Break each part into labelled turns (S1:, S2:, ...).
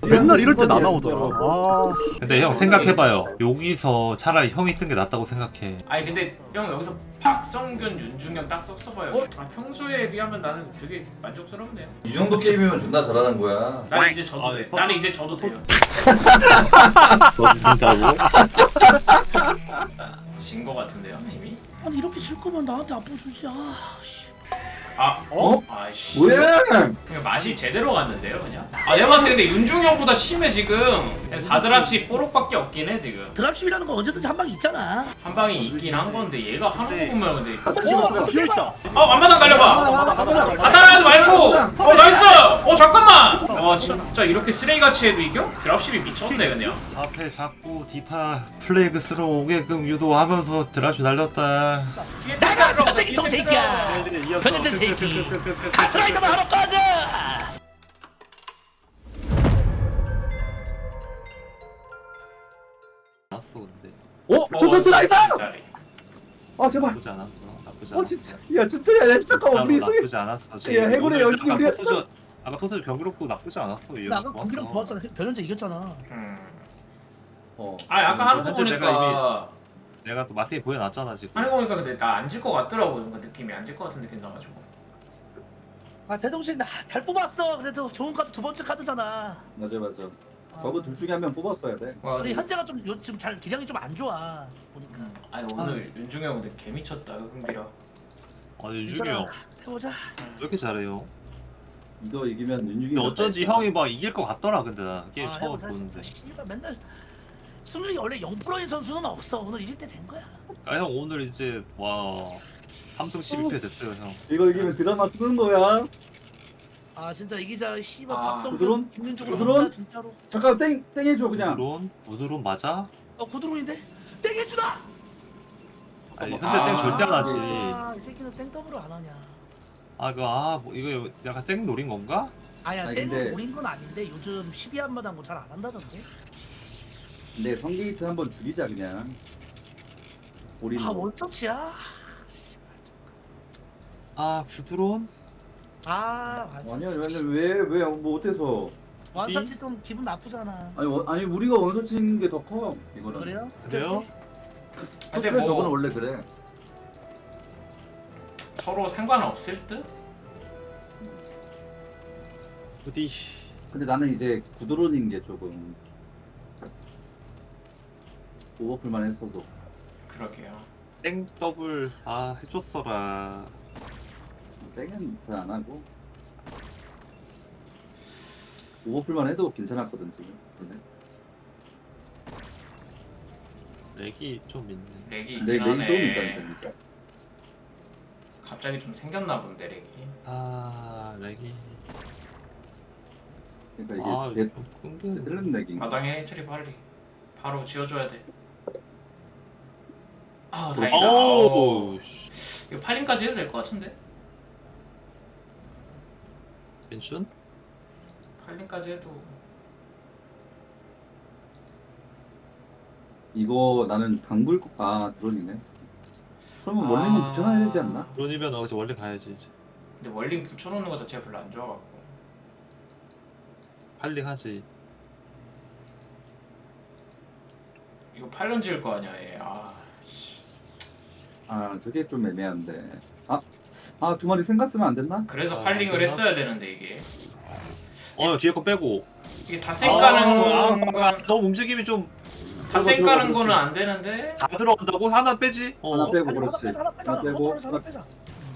S1: 맨날 이럴 때 나나오더라. 아,
S2: 근데 형 생각해봐요. 여기서 차라리 형이 뜬 게 낫다고 생각해.
S3: 아니 근데 형 여기서 박성균, 윤중현 딱 섞어봐요. 아 평소에 비하면 나는 되게 만족스럽네요.
S4: 이 정도 게임이면 존나 잘하는 거야.
S3: 나는 이제 져도 돼. 나는 이제 져도 돼요.
S2: 너 준다고?
S3: 진 거 같은데요 이미?
S5: 아니 이렇게 질 거면 나한테 앞으로 주지. 아 씨.
S3: 아
S4: 어?
S3: 아이씨.
S4: 뭐야?
S3: 그냥 맛이 제대로 갔는데요 그냥? 아 내가 봤을 때 근데 윤중형보다 심해 지금. 4드랍씩 뽀록밖에 없긴 해 지금.
S5: 드랍십이라는 거 언제든지 한 방 있잖아.
S3: 한 방이 있긴 한 건데 얘가 하는 거 보면 근데
S1: 비어있다.
S3: 앞마당 달려봐. 따라하지 말고. 나이스. 잠깐만. 진짜 이렇게 쓰레기같이 해도 이겨? 드랍십이 미쳤네 그냥.
S2: 앞에 자꾸 디파 플레이그 스로 오게끔 유도하면서 드랍시 날렸다.
S5: 나가 변태기통 새끼야. 변태 새끼. 카트라이더도 하러 꺼져.
S2: 나왔어 근데.
S4: 저 스라이더! 아 제발.
S2: 나쁘지 않았어. 나쁘지 않았어.
S4: 진짜. 야 진짜 야 잠깐만 우리 승.
S2: 나쁘지 않았어.
S4: 야, 해군의 여신이 우리-
S2: 아까 포즈 경기롭고 나쁘지 않았어.
S5: 나 아까 경기랑 좋았잖아. 변현재 이겼잖아.
S3: 아까 하는 거
S2: 현재
S3: 보니까
S2: 내가 또 마틴이 보여놨잖아 지금.
S3: 하는 거 보니까 근데 나 안 질 것 같더라고. 뭔가 느낌이 안 질 것 같은 느낌 나가지고.
S5: 아 제동신 잘 뽑았어. 그래도 좋은 카드 두 번째 카드잖아.
S4: 맞아. 저거 둘 중에 한 명 뽑았어야 돼.
S5: 우리 현재가 좀 지금 잘 기량이 좀 안 좋아 보니까.
S3: 아니 오늘 윤중형 근데 개 미쳤다 흥기라.
S2: 아니 윤중이 형.
S5: 해보자.
S2: 왜 이렇게 잘해요?
S4: 이거 이기면 윤중이.
S2: 근데 어쩐지 형이 막 이길 것 같더라 근데 나 게임 처음
S5: 해보자
S2: 보는데.
S5: 진짜. 씨발 맨날 승률이 원래 0%인 선수는 없어. 오늘 이길 때 된 거야.
S2: 아 형 오늘 이제 와 3승 12패 됐어요 형.
S4: 이거 이기면 드라마 쓰는 거야.
S5: 아 진짜 이기자. 씨발
S3: 아,
S5: 박성균
S4: 구드론?
S5: 김민중으로
S4: 구드론?
S5: 하자, 진짜로.
S4: 잠깐 땡 해줘 그냥.
S2: 부드론 맞아?
S5: 구드론인데 땡해주다.
S2: 아니 현재 땡 절대 안 하지.
S5: 이 새끼는 땡 더블을 안 하냐.
S2: 뭐 이거 약간 땡 노린 건가?
S5: 아니야
S4: 아니,
S5: 땡을
S4: 근데-
S5: 노린 건 아닌데 요즘 12한마당 뭐 잘 안 한다던데.
S4: 근데 성게이트 한번 죽이자 그냥. 우리.
S5: 원터치야.
S2: 부드론?
S5: 완사치.
S4: 아니야 왜뭐 어때서?
S5: 완사치 좀 기분 나쁘잖아.
S4: 아니 우리가 원서 치는 게 더 커. 이거는.
S5: 그래요?
S2: 그래요?
S3: 근데
S4: 그래,
S3: 뭐
S4: 저거는 원래 그래.
S3: 서로 상관없을 듯?
S2: 어디?
S4: 근데 나는 이제 구드론인 게 조금 오버풀만 했어도.
S3: 그러게요.
S2: 땡 더블 해줬어라.
S4: 땡은 잘 안 하고 오버풀만 해도 괜찮았거든 지금. 근데
S2: 렉이 좀 있네.
S3: 렉이 있긴
S4: 내
S3: 하네.
S4: 렉이 조금 있다니까 진짜.
S3: 갑자기 좀 생겼나 본데 렉이.
S2: 렉이.
S4: 그러니까 이게 내
S2: 끊겨.
S4: 틀린 렉인가.
S3: 마당에 해처리 빨리. 바로 지어줘야 돼.
S4: 어,
S3: 다행이다.
S2: 오우.
S3: 이거 8인까지 해도 될 것 같은데?
S2: 벤춘?
S3: 8인까지 해도
S4: 이거 나는 당불 드론이네. 그러면 원래는 붙여놔야 되지 않나?
S2: 론이면 어제 원래 가야지 이제.
S3: 근데 월링 붙여놓는 거 자체가 별로 안 좋아갖고.
S2: 할링하지.
S3: 이거 8년 지을 거 아니야 얘.
S4: 저게 좀 애매한데. 두 마리 생갔으면 안 됐나?
S3: 그래서 8링을 했어야 되는데 이게.
S2: 뒤에 거 빼고.
S3: 이게 다 쌩까는 건
S2: 너무 움직임이 좀 다
S3: 다 쌩까는
S4: 들어가,
S3: 거는 안 되는데.
S2: 들어간다고? 하나 빼지?
S4: 하나 빼고
S5: 아니,
S4: 그렇지.
S5: 하나 빼자.
S4: 하나 빼고
S5: 하나 빼자.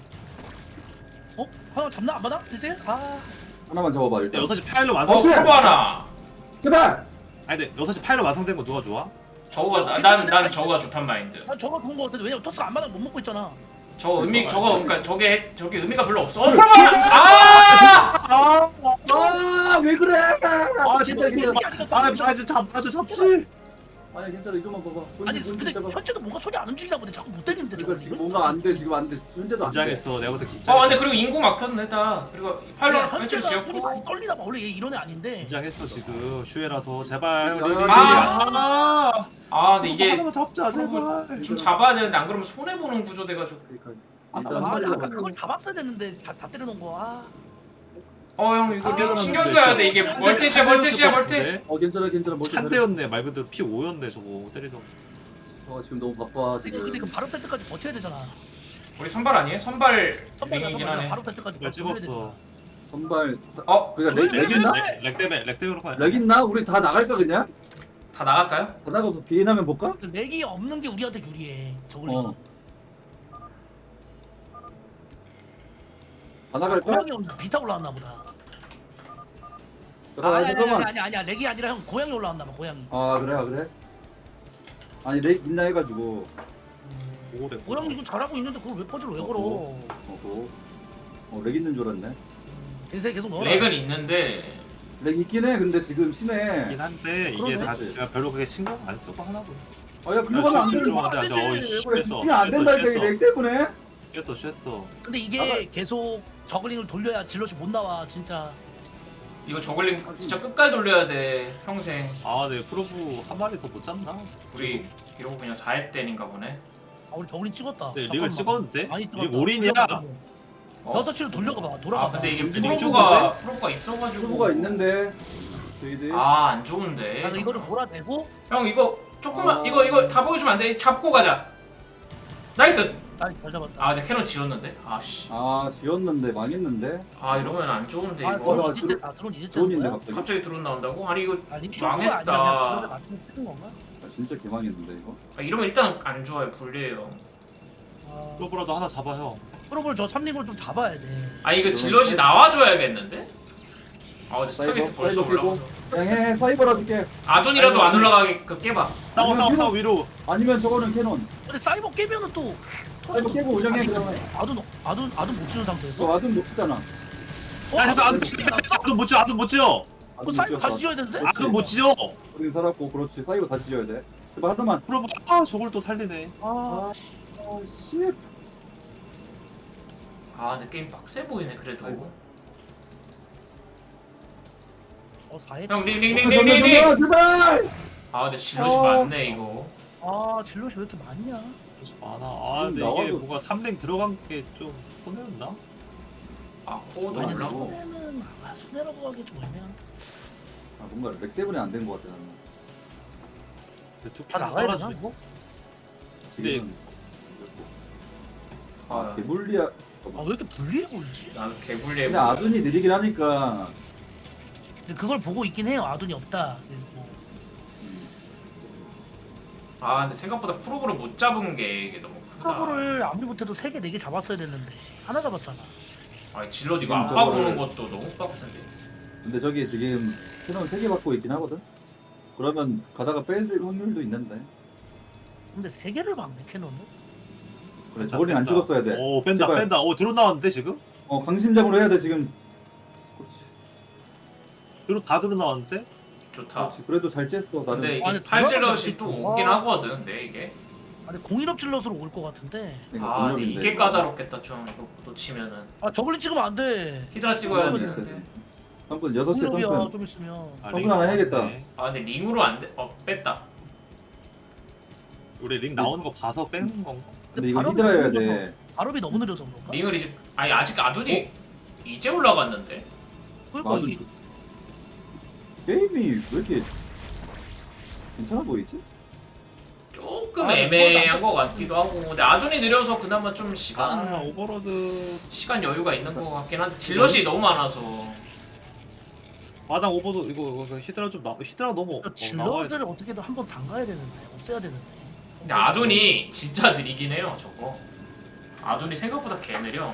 S5: 하나 잡나 안 받아? 이제?
S4: 하나만 잡아봐 일단.
S2: 6시 파일로 완성.
S4: 어,
S3: 커버 하나.
S4: 제발.
S2: 아니 근데 6시 파일로 완성된 거 누가 좋아?
S3: 저거가 난 저거가 좋단 마인드.
S5: 난 저거 좋은 거 같은데 왜냐면 토스가 안 받아 못 먹고 있잖아.
S3: 저거 그러니까 저게 의미가 별로 없어. 커버 하나.
S4: 왜 그래?
S2: 진짜 잡지.
S4: 아니 괜찮아 이거만 봐봐.
S5: 아니
S4: 본진
S5: 근데
S4: 잡아.
S5: 현재도 뭔가 손이 안 움직이나 보네. 자꾸 못 때리는데 저거
S4: 그러니까 지금 뭔가 안 돼. 지금 안 돼. 현재도 안 돼.
S2: 긴장했어. 내가 볼때 긴장.
S3: 근데 그리고 인구 막혔네 다. 그리고 팔로 해처리
S5: 현재가 손이
S3: 지었고.
S5: 많이 떨리나 봐. 원래 얘 이런 애 아닌데.
S2: 긴장했어 지금. 슈에라서 제발.
S3: 근데 이게
S2: 하나만 잡자 제발.
S3: 좀 잡아야 되는데 안 그러면 손해 보는 구조 돼가지고.
S4: 그러니까
S2: 아,
S4: 일단
S2: 나
S5: 아,
S4: 빨리
S5: 아까
S4: 잡았어.
S5: 그걸 다 봤어야 됐는데 다 때려놓은 거.
S3: 형 이거
S2: 아,
S3: 신경 써야 돼. 이게 멀티시야 멀티.
S4: 괜찮아 괜찮아.
S2: 찬대였네. 말 그대로 P5였네 저거 때리던.
S4: 지금 너무 바빠
S5: 근데
S4: 지금.
S5: 이거 바로 뺄 때까지 버텨야 되잖아.
S3: 우리 선발 아니에요? 선발
S5: 선발
S3: 링이긴 하네.
S5: 바로 뺄 때까지
S2: 말
S5: 버텨야 되잖아.
S2: 찍었어.
S4: 선발.
S3: 그러니까
S4: 렉 있나?
S2: 렉 때문에 그럴 거야.
S4: 렉 있나? 우리 다 나갈까 그냥?
S3: 다 나갈까요?
S4: 다 나가서 비인하면 볼까?
S5: 렉이 없는 게 우리한테 유리해. 저글링.
S4: 다 나갈까?
S5: 고양이 비타 올라왔나 보다.
S4: 잠깐만.
S5: 아니야. 렉이 아니라 형 고양이 올라왔나 봐. 고양이.
S4: 그래? 아니 렉 있나 해가지고.
S2: 오래.
S5: 고양이 이거 잘하고 있는데 그걸 왜 퍼즐 왜 걸어?
S4: 렉 있는 줄 알았네.
S5: 인생 계속 넣어라.
S3: 렉은 있는데
S4: 렉 있긴 해. 근데 지금 심해.
S2: 있긴 한데 이게
S5: 그러네.
S2: 다 제가 별로 그게 신경 안 쓰고 하나 보네.
S4: 야 글로 가면 안 되는 거.
S5: 안 되지.
S4: 그래 집중 안 된다니까 이 렉 때문에.
S2: 쉣어.
S5: 근데 이게 계속 저글링을 돌려야 질럿이 못 나와 진짜.
S3: 이거 저글링 진짜 끝까지 돌려야 돼 평생.
S2: 네 프로브 한 마리 더 못 잡나?
S3: 우리 이러고 그냥 4회 때인가 보네.
S5: 우리 저글링 찍었다.
S2: 네, 릭을 찍었는데?
S5: 아니
S2: 이게 올인이야?
S5: 6시로 돌려가봐. 돌아가.
S3: 근데 이게
S4: 릭이
S3: 프로브가 있어가지고.
S4: 프로브가 있는데 저희들.
S3: 안 좋은데.
S5: 이거를 몰아내고.
S3: 형 이거 조금만 이거 다 보여주면 안 돼? 잡고 가자. 나이스.
S5: 잘 잡았다.
S3: 근데 캐논 지웠는데. 씨.
S4: 지었는데 망했는데.
S3: 이러면 안 좋은데 이거.
S5: 드론 이제 드론 이제
S4: 드론인데
S5: 거야?
S4: 갑자기.
S3: 갑자기 드론 나온다고? 아니 이거
S5: 아니 쇼크가 아니라
S3: 망했다.
S5: 그냥 저를 맞추면 쓰는 건가?
S4: 진짜 개망했는데 이거.
S3: 이러면 일단 안 좋아요. 불리해요.
S2: 프로브라도 하나 잡아요.
S5: 프로볼 저 3링을 좀 잡아야 돼.
S3: 이거 질럿이 나와줘야겠는데? 근데 스타게이트 벌써
S4: 사이버 깨고.
S3: 올라가서.
S4: 그냥 해 사이버라도 깨.
S3: 아둔이라도 안 올라가게 깨봐.
S2: 싸워 위로.
S4: 아니면 저거는 캐논.
S5: 근데 사이버 깨면은 또
S4: 사이버 깨고 운영해 그러면.
S5: 아둔 못 치는 상태에서.
S4: 저 아둔 못 치잖아.
S2: 아둔 못 지어.
S5: 그 사이버 다시 지어야 되는데?
S2: 아둔 못 지어.
S4: 우리 살았고 그렇지 사이버 다시 지어야 돼. 제발 하나만.
S2: 프로브 저걸 또 살리네.
S4: 씨.
S3: 근데 게임 빡세 보이네 그래도.
S4: 아이고.
S5: 4회.
S3: 형 링.
S4: 정면 제발.
S3: 근데 질럿이 많네 이거.
S5: 질럿이 왜 이렇게 많냐?
S2: 많아. 근데 이게
S4: 나와도-
S2: 뭔가 3랭 들어간 게 좀 손해였나?
S3: 코어도
S5: 아니
S3: 올라고.
S5: 손해는 손해라고 하기 좀 애매한데.
S4: 뭔가 렉 때문에 안 된 것 같아 나는.
S5: 다 나가야 되나 이거?
S4: 지금. 개불리야.
S5: 왜 이렇게 불리해 보이지?
S3: 나는 개불리해
S4: 근데
S3: 보여.
S4: 아둔이 느리긴 하니까.
S5: 근데 그걸 보고 있긴 해요. 아둔이 없다. 그래서 뭐.
S3: 근데 생각보다 프로브를 못 잡은 게 이게 너무 크다.
S5: 프로볼을 아무리 못해도 3개 4개 잡았어야 됐는데 하나 잡았잖아.
S3: 질럿 이거
S4: 지금
S3: 아빠
S4: 저거를-
S3: 보는 것도 너무 빡센데.
S4: 근데 저기 지금 캐논 3개 받고 있긴 하거든. 그러면 가다가 뺄 확률도 있는데.
S5: 근데 3개를 막네 캐논은.
S4: 그래 저걸링 안 찍었어야 돼.
S2: 뺀다.
S4: 제발.
S2: 드론 나왔는데 지금?
S4: 강심장으로 해야 돼 지금. 그렇지.
S2: 다 드론 나왔는데?
S3: 좋다.
S4: 그렇지. 그래도 잘 쬐어 나는.
S3: 근데
S5: 아니,
S3: 이게 팔질럿이
S5: 들어가면
S3: 또
S5: 되겠다.
S3: 오긴 하거든. 근데 이게.
S5: 아니 공인업 질럿으로 올 것 같은데.
S3: 근데
S4: 공룡인데,
S3: 이게
S4: 이거.
S3: 까다롭겠다 좀 이거 놓치면은.
S5: 저글링 찍으면 안 돼.
S3: 히드라 찍어야
S4: 공룡이
S3: 되는데.
S4: 있어야 돼. 성근 6시에
S5: 공인업이야
S4: 성근.
S5: 좀 있으면.
S4: 성근 하나 해야겠다.
S3: 근데 링으로 안 돼. 뺐다.
S2: 우리 링 나오는 거 봐서 빼는 건가?
S4: 근데 이거
S5: 발업이
S4: 히드라 해야
S5: 너무
S4: 돼.
S5: 발업이 너무 느려서 그런가?
S3: 링을 이제 아직 아둔이 이제 올라갔는데.
S5: 그러니까
S4: 나도
S5: 이게
S4: 게임이 왜 이렇게 괜찮아 보이지?
S3: 조금 애매한 것 같기도 하고. 근데 아둔이 느려서 그나마 좀 시간
S2: 오버로드
S3: 여유가 있는 것 같긴 한데 질럿이 너무 많아서.
S2: 마당 오버도 이거 히드라 좀 히드라 너무
S5: 질럿을 어떻게든 한번 담가야 되는데 없애야 되는데.
S3: 근데 아둔이 진짜 느리긴 해요 저거. 아둔이 생각보다 개 느려.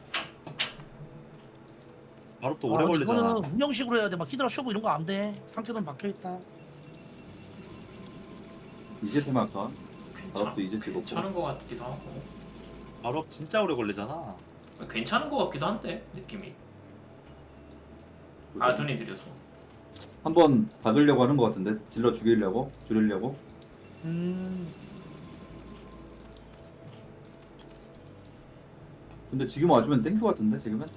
S2: 바로 또 오래 걸리잖아.
S5: 이거는 운영식으로 해야 돼. 막 히드라 쇼부 이런 거 안 돼. 상태는 박혀 있다.
S4: 이제 테마카. 바로 이제 찍었고.
S3: 괜찮은 것 같기도 하고.
S2: 바로 진짜 오래 걸리잖아.
S3: 괜찮은 것 같기도 한데 느낌이. 아둔이 느려서.
S4: 한번 박으려고 하는 것 같은데 질러 죽이려고 줄이려고. 근데 지금 와주면 땡큐 같은데 지금은.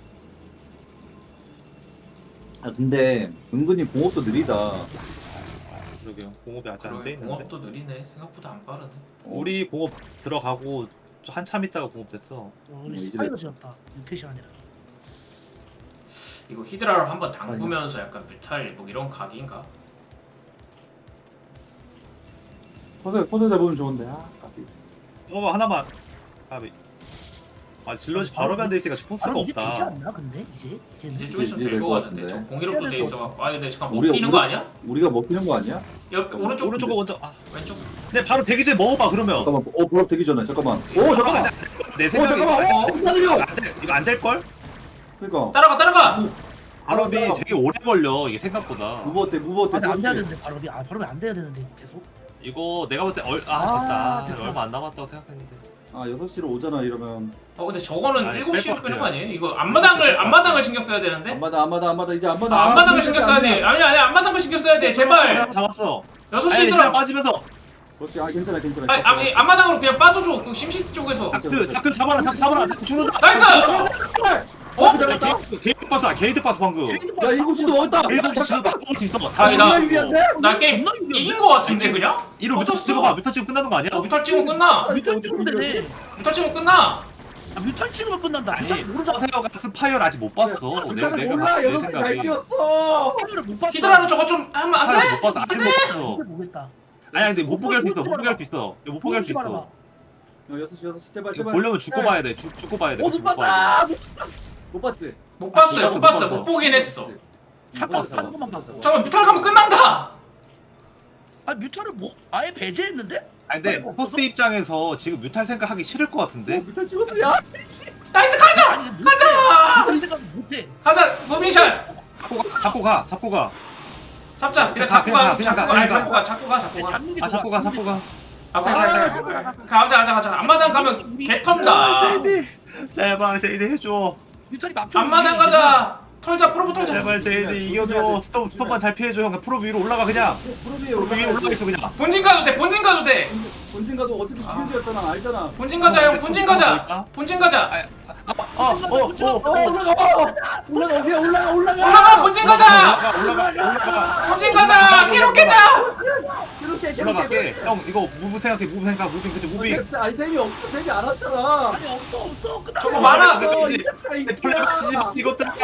S4: 근데 은근히 공업도 느리다.
S2: 그러게요. 공업이 아직 안 돼
S3: 그러게
S2: 있는데.
S3: 공업도 느리네. 생각보다 안 빠르네.
S2: 우리 공업 들어가고 한참 있다가 공업 됐어.
S5: 우리
S4: 이제
S5: 스파이더 지었다. 6캣이 아니라.
S3: 이거 히드라로 한번 담그면서 약간 뮤탈 뭐 이런 각인가?
S4: 포즈 잡으면 좋은데. 아, 까비.
S1: 하나만. 아 질럿이 바로 변돼 있으니까 스포츠가
S5: 바로 이게 되지
S1: 없다.
S5: 않나 근데 이제
S3: 이제 좀
S4: 이제
S3: 있으면
S4: 될
S3: 될 것
S4: 것
S3: 같은데. 저
S4: 같은데.
S3: 공이롭도 돼 있어갖고. 아 근데 잠깐
S4: 우리-
S3: 먹히는 거 아니야?
S4: 우리가 먹히는 거 아니야?
S3: 옆 오른쪽
S1: 오른쪽은 먼저.
S3: 왼쪽.
S1: 근데 바로 대기 전에 먹어봐 그러면.
S4: 잠깐만. 보랍 되기 전에 잠깐만. 오 잠깐만.
S1: 내
S4: 오
S1: 생각에
S4: 잠깐만. 기다려.
S1: 이거 안 될 걸?
S4: 그러니까.
S3: 따라가.
S1: 발업이 되게 오래 걸려 이게 생각보다.
S4: 무브 어때?
S5: 아니 안 돼야 되는데 바로 바로 안 돼야 되는데 계속
S1: 이거 내가 볼 때
S5: 아,
S1: 됐다. 얼마 안 남았다고 생각했는데.
S4: 아 6시로 오잖아 이러면.
S3: 근데 저거는
S1: 아니,
S3: 7시로
S1: 뺄것
S3: 빼는 거
S1: 같아요.
S3: 아니에요? 이거 앞마당을 신경 써야 되는데?
S4: 안마다 이제 안마다.
S3: 아, 앞마당을 신경 써야 돼. 아니 앞마당을 신경 써야 돼. 제발.
S1: 잡았어.
S3: 6시
S1: 아니,
S3: 들어.
S1: 빠지면서.
S4: 그렇지. 아 괜찮아.
S3: 아니 앞마당으로 그냥 빠져줘. 그 심시티 쪽에서.
S1: 다크 잡아라. 다크 죽는다.
S3: 나이스.
S4: 어? 잡았다.
S1: 게이트 빠스 방금.
S4: 야 7시도 먹었다.
S1: 게이트 진짜 딱 먹을 수 있어.
S3: 다행이다.
S4: 유리한데?
S3: 나 게임 이긴 거 같은데 그냥?
S1: 이로 뮤터 찍어봐. 뮤터 찍으면 끝나는 거 아니야?
S3: 뮤탈 찍으면 끝나.
S5: 뮤탈 찍으면 되네
S3: 뮤탈 찍으면 끝나.
S5: 뮤탈 찍으면 끝난다
S1: 아니
S5: 뮤탈 모르잖아
S1: 서세어가 스파이어를 아직 못 봤어.
S4: 숫자는 몰라. 6시 잘 찍었어.
S5: 카메라 못 봤어
S3: 히드라로 저거 좀 하면 안
S1: 아직
S3: 돼?
S1: 못 봤어. 아직 못 봤어.
S5: 이게 뭐겠다
S1: 아니 근데 못 보게 할 수 있어. 못 보게 할 수 있어. 못 보게 할 수
S5: 말아봐.
S1: 있어.
S4: 6시 제발.
S1: 이거 보려면 죽고 봐야 돼. 죽고 봐야 돼.
S4: 못
S1: 죽고 봐야 돼.
S4: 봤다. 못 봤지?
S3: 못 봤어요. 못
S1: 못
S3: 봤어.
S1: 봤어.
S3: 못 보긴 했어.
S5: 잠깐
S1: 봤어.
S5: 다른 것만 봤어
S3: 잠깐만 뮤탈 가면 끝난다.
S5: 아 뮤탈을 뭐 아예 배제했는데?
S1: 아니 근데 포스 입장에서 지금 뮤탈 생각하기 싫을 것 같은데.
S4: 뮤탈 찍었어. 야.
S3: 나이스 가자.
S5: 아니
S3: 가자.
S5: 뮤탈 생각 못해
S3: 가자. 무빙샷.
S1: 잡고 가.
S3: 잡자. 그냥
S1: 가,
S3: 잡고 가.
S1: 그냥 가,
S3: 잡고 가. 아니
S1: 그냥
S3: 잡고 가. 잡고 가. 잡고 가.
S5: 잡는 게
S1: 아
S5: 좋아
S1: 잡고 가.
S3: 아, 가자. 앞마당 가면 개턴다.
S1: 제발 제이드 해줘.
S5: 뮤탈이 막혀
S3: 앞마당 가자. 털자. 프로브 털자.
S1: 제발 제이드 이겨줘. 스톱만 잘 피해줘. 형 프로 위로 올라가 그냥.
S4: 프로비에
S1: 프로 위로 올라가 있어 그냥.
S3: 본진 가도 돼. 본진 가도 돼.
S4: 본진 가도 어차피 시즌이었잖아. 알잖아.
S3: 본진 가자 형. 본진 가자. 본진 가자.
S4: 올라가. 위에 올라가.
S3: 올라가. 본진 가자.
S1: 올라가.
S3: 본진 가자. 캐롯 깨자.
S4: 이렇게
S1: 올라갈게. 형 이거 무브 생각해. 무빙 그치 무빙.
S4: 아이템이 없어. 템이 안 왔잖아.
S5: 아니 없어 끝나
S3: 저거 많아.
S1: 이제 플레이 치지 마. 이것들아.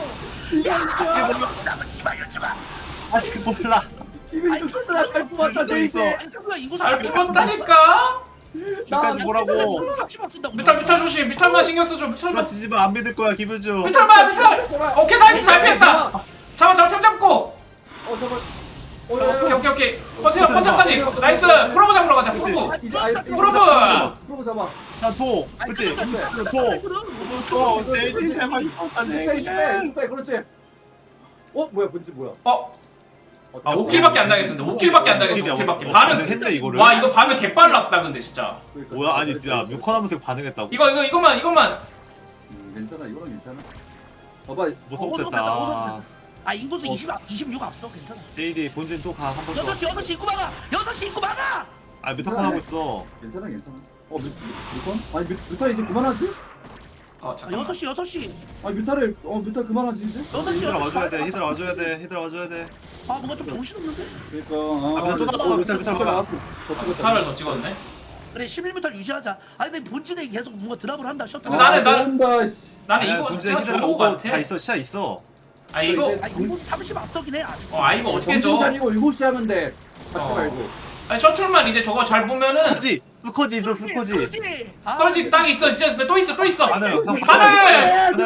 S1: 아직 몰라.
S4: 이미 좀 쳤다. 잘 뽑았다. 제이스.
S5: 아니 잠깐 이거
S3: 잘 뽑았다니까.
S1: 지금까지 뭐라고.
S5: 합치만 쓴다고
S3: 뮤탈 조심. 뮤탈만 신경 써줘. 뮤탈만.
S1: 치지 마. 안 믿을 거야 기분 좀.
S3: 뮤탈. 오케이 나이스 잘 피했다. 잡아 템 잡고.
S4: 잠깐.
S3: 오케이. 퍼세어까지. 나이스. 프로브 잡으러 가자. 프로브.
S4: 프로브 잡아.
S1: 자토 그치. 토 제이드 제발
S4: 스페이. 그렇지. 뭐야 본진 뭐야?
S3: 아 5킬밖에 안 당했었는데 5킬밖에 안 당했어. 5킬밖에. 반응.
S1: 했네 이거를.
S3: 와 이거 반응 개빨랐다 근데 진짜.
S1: 뭐야 아니 야 뮤컨하면서 반응했다고.
S3: 이것만.
S4: 괜찮아. 이거는 괜찮아. 봐봐.
S1: 못했다.
S5: 아 인구수 26 앞서 괜찮아
S1: 제이드 본진 또 가 한 번 더.
S5: 6시 입구 막아 6시 입구 막아
S1: 아 뮤컨 하고 있어.
S4: 괜찮아. 뮤턴? 아니 뮤턴 이제 그만하지?
S3: 잠깐만.
S5: 6시
S4: 아니 뮤턴 그만하지 이제?
S5: 6시
S1: 히드라 와줘야 돼. 히드라 와줘야 돼.
S5: 아 뭔가 좀 정신없는데?
S4: 그러니까
S1: 또 나가. 뮤탈
S4: 나왔어.
S3: 뮤탈을 더 찍었네.
S5: 그래 11m 유지하자 아니 근데 본진에 계속 뭔가 드랍을 한다 셔틀
S3: 근데 나는
S4: 온다 씨.
S3: 나는 이거
S1: 본진
S3: 자체가
S1: 히드라
S3: 좋은 거
S1: 오고
S3: 같아.
S1: 다 있어. 시야 있어.
S3: 아 이거
S5: 아 인구 30 앞서긴 해 아직
S3: 이거 어떻게 줘?
S4: 정신 차리고 7시 하면 돼. 받지
S3: 어.
S4: 말고.
S3: 아니 셔틀만 이제 저거 잘 보면은
S1: 스커지 있어 스커지.
S3: 스컬지 땅 있어. 진짜 근데 또 있어.
S1: 반응.
S3: 반응!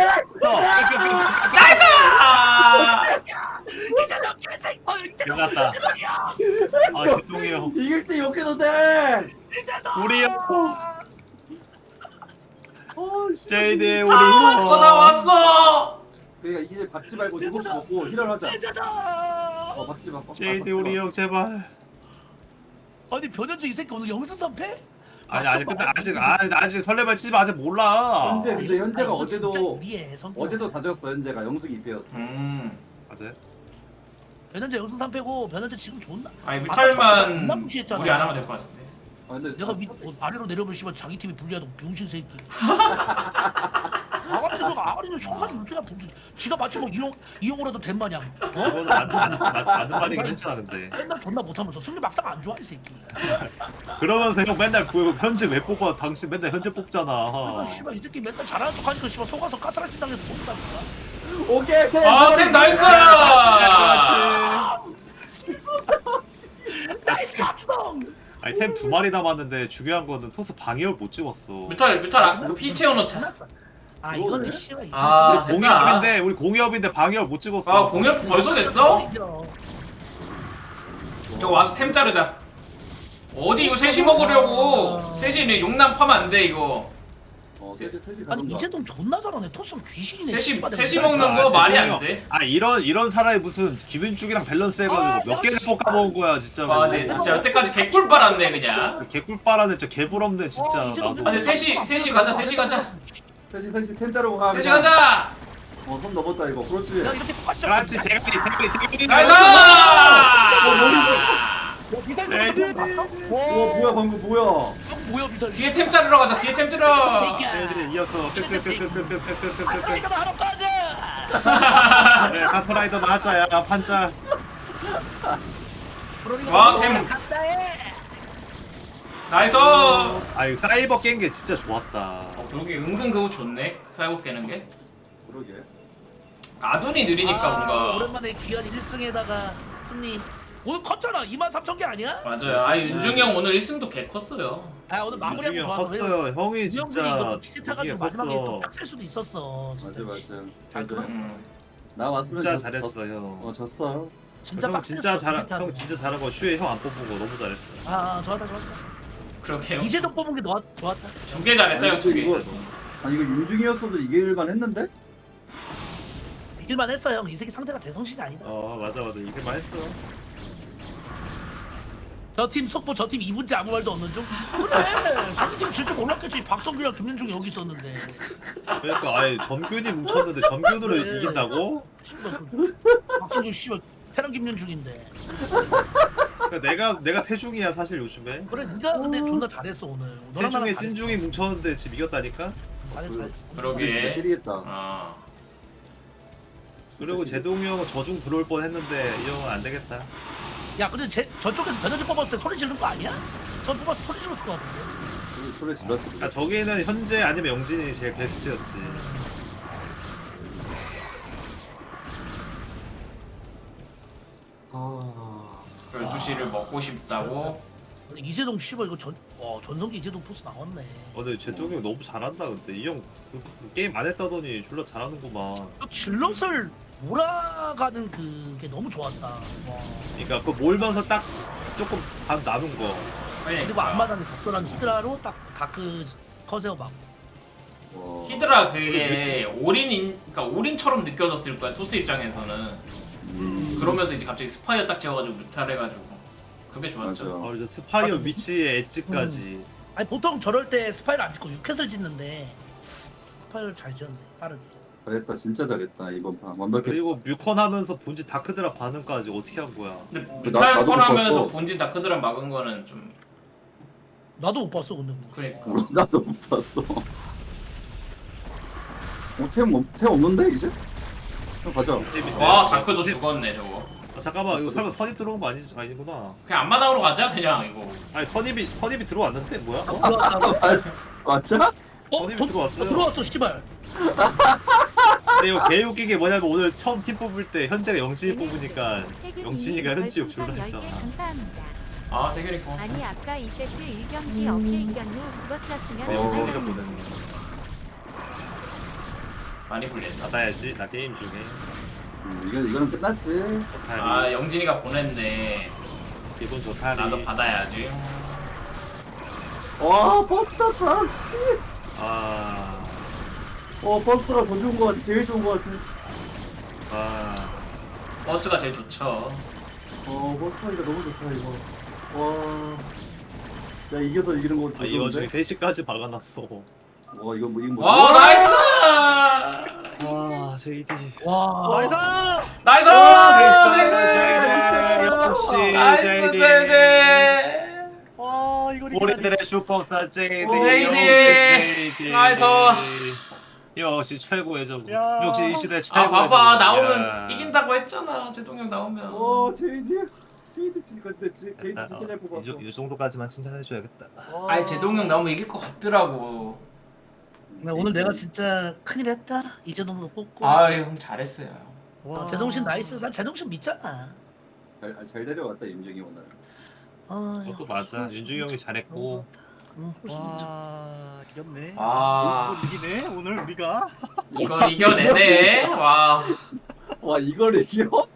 S3: 나이스!
S5: 이재정 개생 이재정
S1: 끝났다. 아 죄송해요.
S4: 이길 때 욕해도 돼.
S1: 우리 형. 제이드 우리
S3: 다 왔어.
S4: 그러니까 이제 받지 말고 7시 먹고 힐을 하자.
S5: 이재정
S4: 받지 마.
S1: 제이드 우리 형 제발.
S5: 아니 변현주 이 새끼 오늘 영승 선패?
S1: 아니 근데 아직 설레발 치지 마. 아직 몰라.
S4: 근데 현재가
S5: 아니, 진짜
S4: 어제도
S5: 유리해, 성격.
S4: 어제도 다졌어. 현재가 영숙이 2패였어.
S1: 맞아요?
S5: 변현재 영승 3패고 변현재 지금 존나
S3: 아니
S5: 존나
S3: 뮤탈만
S5: 무시했잖아.
S3: 우리 안 하면 될 것 같은데.
S4: 근데
S5: 내가 아래로 내려오면 씨발 자기 팀이 불리하다고 병신 새끼. 아가리는 쇼가지 물체가 무슨 지가 마치 뭐 이용으로도 된 마냥.
S1: 그거는 맞는 말이긴 했잖아 근데.
S5: 맨날 존나 못하면서 승리 막상 안 좋아 이 새끼.
S1: 그러면서 형 맨날 현재 왜 뽑아? 당신 맨날 현재 뽑잖아.
S5: 씨발 이 새끼 맨날 잘하는 척하니까 씨발 속아서 가스라이팅 당해서 못한다니까.
S4: 오케이 템.
S3: 아템 나이스.
S5: 나이스 가츠동.
S2: 아니 템 2마리 남았는데 중요한 거는 토스 방해를 못 찍었어.
S3: 뮤탈 피 채워 넣자.
S5: 아 이거는 씨발.
S3: 아,
S2: 우리 공이업인데 우리 공이업인데 방해를 못 찍었어.
S3: 아 공연 벌써 됐어? 저거 와서 템 자르자. 어디 이거 셋이 먹으려고. 셋이 용남 파면 안 돼 이거.
S4: 셋이
S5: 아니
S4: 가던가.
S5: 이재동 존나 잘하네. 토스는 귀신이네.
S3: 셋이 먹는 거 말이 안 돼.
S2: 아 이런 사람이 무슨 기분축이랑 밸런스 해가지고 몇 개를 볶아 먹은 거야 진짜.
S3: 아, 네, 진짜 여태까지 개꿀 빨았네 그냥.
S2: 개꿀 빨아내 진짜 개부럽네 진짜.
S5: 이제도
S2: 나도.
S3: 아니 셋이 가자.
S4: 셋이 템 자르고 가.
S3: 셋이 가자.
S4: 손 넘었다 이거. 그렇지.
S5: 야 이렇게 똑같이.
S2: 그렇지 대가리.
S3: 나이스.
S5: 미달
S2: 네, 네, 네.
S4: 와 뭐야 방금 뭐야?
S5: 뭐야 미달.
S3: 뒤에 템 자르러 가자. 뒤에 템 자르러.
S2: 애들이 이어서
S5: 이거 나 하러 가자.
S2: 네, 카프라이더 맞아야 판자.
S3: 와, 템. 나이스.
S2: 아 이거 사이버 깬 게 진짜 좋았다.
S3: 여기 은근 그거 좋네. 사이버 깨는 게.
S4: 그러게.
S3: 아둔이 느리니까 뭔가.
S5: 오랜만에 귀한 1승에다가 승리. 오늘 컸잖아. 23,000개 아니야?
S3: 맞아요. 아 윤중이 형 오늘 1승도 개 컸어요.
S5: 아 오늘 마무리하고
S2: 유중이 형
S5: 좋았어.
S2: 컸어요. 형이
S5: 형들이
S2: 진짜
S5: 이거 비슷해가지고 마지막에
S2: 컸어.
S5: 또 빡셀 수도 있었어. 진짜.
S4: 맞아.
S5: 잘 끊었어.
S4: 나 왔으면
S2: 진짜 잘했어 형.
S4: 졌어.
S5: 진짜
S2: 형
S5: 빡셌어.
S2: 진짜 잘,
S5: 비슷하고.
S2: 형 진짜 잘한 거 슈에 형 안 뽑은 거 너무 잘했어.
S5: 좋았다.
S3: 그러게요.
S5: 이재동 뽑은 게 좋았다.
S3: 2개 잘했다 형 2개.
S4: 아니 이거 윤중이었어도 이길만 했는데?
S5: 이길만 했어 형. 이 새끼 상태가 제정신이 아니다.
S2: 맞아 이게 맛있어.
S5: 저 팀 속보 저 팀 2분째 아무 말도 없는 중? 그래. 자기 팀 질 줄 몰랐겠지. 박성규랑 김윤중이 여기 있었는데.
S2: 그러니까 아예 점균이 뭉쳤는데 점균으로
S5: 그래.
S2: 이긴다고?
S5: 씨발, 박성규 씨발 테란 김윤중인데.
S2: 그러니까 내가 태중이야 사실 요즘에.
S5: 그래 네가 근데 존나 잘했어 오늘. 너랑 나랑
S2: 태중에
S5: 잘했어.
S2: 찐중이 뭉쳤는데 지금 이겼다니까.
S5: 잘했어.
S3: 그러게.
S4: 때리겠다.
S3: 아.
S2: 그리고 제동이 형은 저중 들어올 뻔했는데 이 형은 안 되겠다.
S5: 야 근데 저쪽에서 변현재 뽑았을 때 소리 지른 거 아니야? 전 뽑았을 때 소리 질렀을 것 같은데.
S4: 소리 질렀지.
S2: 그러니까 저기는 현재 아니면 영진이 제일 베스트였지.
S4: 아.
S3: 12시를 먹고 싶다고.
S5: 근데 이재동 씨발 이거 전성기 이재동 포스 나왔네.
S2: 근데 제동이 형 너무 잘한다 근데 이 형 게임 안 했다더니 졸라 잘하는구만.
S5: 또 질럿을 몰아가는 그게 너무 좋았다. 와.
S2: 그러니까 그 몰면서 딱 조금 반 나눈 거.
S5: 그리고 앞마당에 적절한 히드라로 딱 다크 커세어 막.
S3: 히드라 그게 그러니까 올인처럼 느껴졌을 거야 토스 입장에서는. 그러면서 이제 갑자기 스파이어 딱 지어가지고 무탈해가지고 그게 좋았죠.
S4: 맞아.
S2: 이제 스파이어 위치의 엣지까지.
S5: 아니 보통 저럴 때 스파이를 안 짓고 6캣을 짓는데 스파이를 잘 지었네 빠르게.
S4: 잘했다 진짜 잘했다 이번 판 완벽했다.
S2: 그리고 뮤컨 하면서 본진 다크드라 반응까지 어떻게 한 거야?
S3: 근데
S4: 나도 못
S3: 무탈컨하면서
S4: 봤어.
S3: 본진 다크드라 막은 거는 좀
S5: 나도 못 봤어 근데 그거.
S3: 그러니까.
S4: 나도 못 봤어. 템 없는데 이제? 형 가자.
S3: 와 다크도 죽었네 저거.
S2: 잠깐만 이거 설마 선입 들어온 거 아니구나.
S3: 그냥 앞마당으로 가자 그냥 이거.
S2: 아니 선입이 들어왔는데 뭐야?
S5: 들어왔다고?
S4: 맞아?
S2: 선입이 들어왔어요.
S5: 들어왔어 씨발.
S2: 근데 이거 개웃기게 뭐냐면 오늘 처음 팀 뽑을 때 현재가 영진이 뽑으니까 영진이가 현지욕 졸라 했잖아.
S6: 감사합니다.
S3: 아 대결이 고
S6: 아니 아까 2세트 1경기 없을 경우 그것 쳤으면
S2: 근데 영진이가
S6: 좋아요.
S2: 보냈네.
S3: 많이 불렸다.
S2: 받아야지 나 게임 중에.
S4: 이거는 끝났지.
S2: 좋다리.
S3: 아 영진이가 보냈네.
S2: 기분 좋다리.
S3: 나도 받아야지.
S4: 와 버스다 다 씨.
S2: 아.
S4: 버스가 더 좋은 거 같아. 제일 좋은 거 같아.
S2: 아.
S3: 버스가 제일 좋죠.
S4: 버스가 너무 좋다 이거. 와. 나 이겨서 이기는 거
S2: 아 이거 중에
S4: 좋은데?
S2: 3시까지 박아놨어.
S4: 와 이거 뭐.
S3: 와 나이스!
S2: 와 JD.
S5: 와. 나이스.
S3: 나이스!
S2: 역시
S3: 나이스
S2: JD.
S3: 제이디!
S2: 우리들의 슈퍼스타 JD.
S3: JD. 나이스.
S2: 역시 최고의 정. 역시 이 시대
S3: 아
S2: 최고의
S3: 봐봐
S2: 정국이야.
S3: 나오면 이긴다고 했잖아 제동형 나오면.
S4: 제이디 근데 제이디 진짜 잘 뽑았어.
S2: 이 정도까지만 칭찬해줘야겠다.
S3: 아니 제동형 나오면 이길 것 같더라고.
S5: 근데 오늘 내가 진짜 큰일 했다. 이재동도 뽑고.
S3: 아형 잘했어요.
S5: 와. 제동신 나이스. 난 제동신 믿잖아.
S4: 잘 데려왔다 윤중이 오늘.
S2: 그것도 맞아. 윤중이 형이 잘했고.
S5: 훨씬 진짜.
S7: 와 이겼네.
S3: 아
S7: 이걸 이기네 오늘 우리가.
S3: 이걸 이겨내네. 와
S4: 와 이걸 이겨?